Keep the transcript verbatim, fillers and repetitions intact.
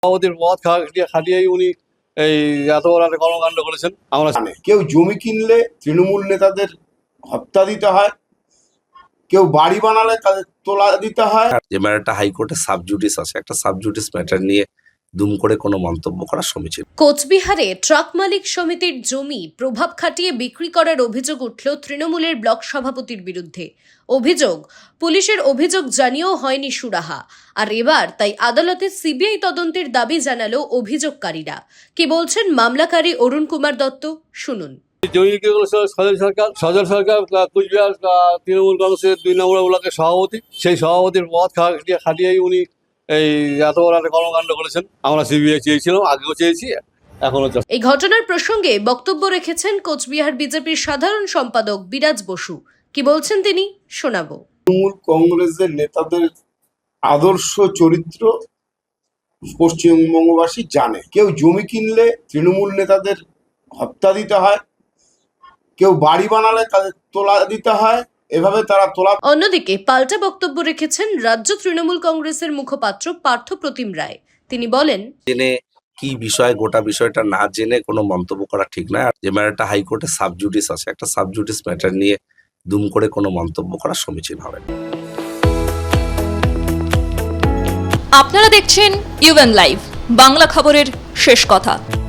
সভাপতির পদ খাটিয়ে খাটিয়েই উনি এই এত বড় একটা কর্মকাণ্ড করেছেন। আমরা জানি কেউ জমি কিনলে তৃণমূল নেতাদের হত্যা দিতে হয়, কেউ বাড়ি বানালে তাদের তোলা দিতে হয়। যে ম্যাটারটা হাইকোর্টে সাবজুডিস আছে, একটা সাবজুডিস ম্যাটার নিয়ে দুম করে কোনো মন্তব্য করা সমীচীন। কোচবিহারে ট্রাক মালিক সমিতির জমি প্রভাব খাটিয়ে বিক্রি করার অভিযোগ উঠল তৃণমূলের ব্লক সভাপতির বিরুদ্ধে। অভিযোগ, পুলিশের অভিযোগ জানিয়েও হয়নি সুরাহা। আর এবার তাই আদালতে সিবিআই তদন্তের দাবি জানালো অভিযোগকারীরা। কি বলছেন মামলাকারী অরুণ কুমার দত্ত, শুনুন। জমি বিক্রি করেছে সজল সরকার। সজল সরকার কুচবিহার তৃণমূল কংগ্রেসের দুই নম্বর ব্লকের সভাপতি। সেই সভাপতির পদ খাটিয়ে খাটিয়েই উনি এই এত বড় একটা কর্মকাণ্ড করেছেন। আমরা সিবিআই চেয়েছিলাম, আগেও চেয়েছি, এখনো। এই ঘটনার প্রসঙ্গে বক্তব্য রেখেছেন কোচবিহার বিজেপির সাধারণ সম্পাদক বিরাজ বসু। কি বলছেন তিনি, শোনাবো। তৃণমূল কংগ্রেসের নেতাদের আদর্শ চরিত্র পশ্চিমবঙ্গবাসী জানে। কেউ জমি কিনলে তৃণমূল নেতাদের হত্যা দিতে হয়, কেউ বাড়ি বানালে তাদের তোলা দিতে হয়, এভাবে তারা তোলা। অন্যদিকে পাল্টা বক্তব্য রেখেছেন রাজ্য তৃণমূল কংগ্রেসের মুখপাত্র পার্থ প্রতিম রায়। তিনি বলেন, জেনে কি বিষয়, গোটা বিষয়টা না জেনে কোনো মন্তব্য করা ঠিক নয়। আর যে ম্যাটারটা হাইকোর্টে সাবজুডিস আছে, একটা সাবজুডিস ম্যাটার নিয়ে দুম করে কোনো মন্তব্য করা সমীচীন হবে না। আপনারা দেখছেন ইউএন লাইভ, বাংলা খবরের শেষ কথা।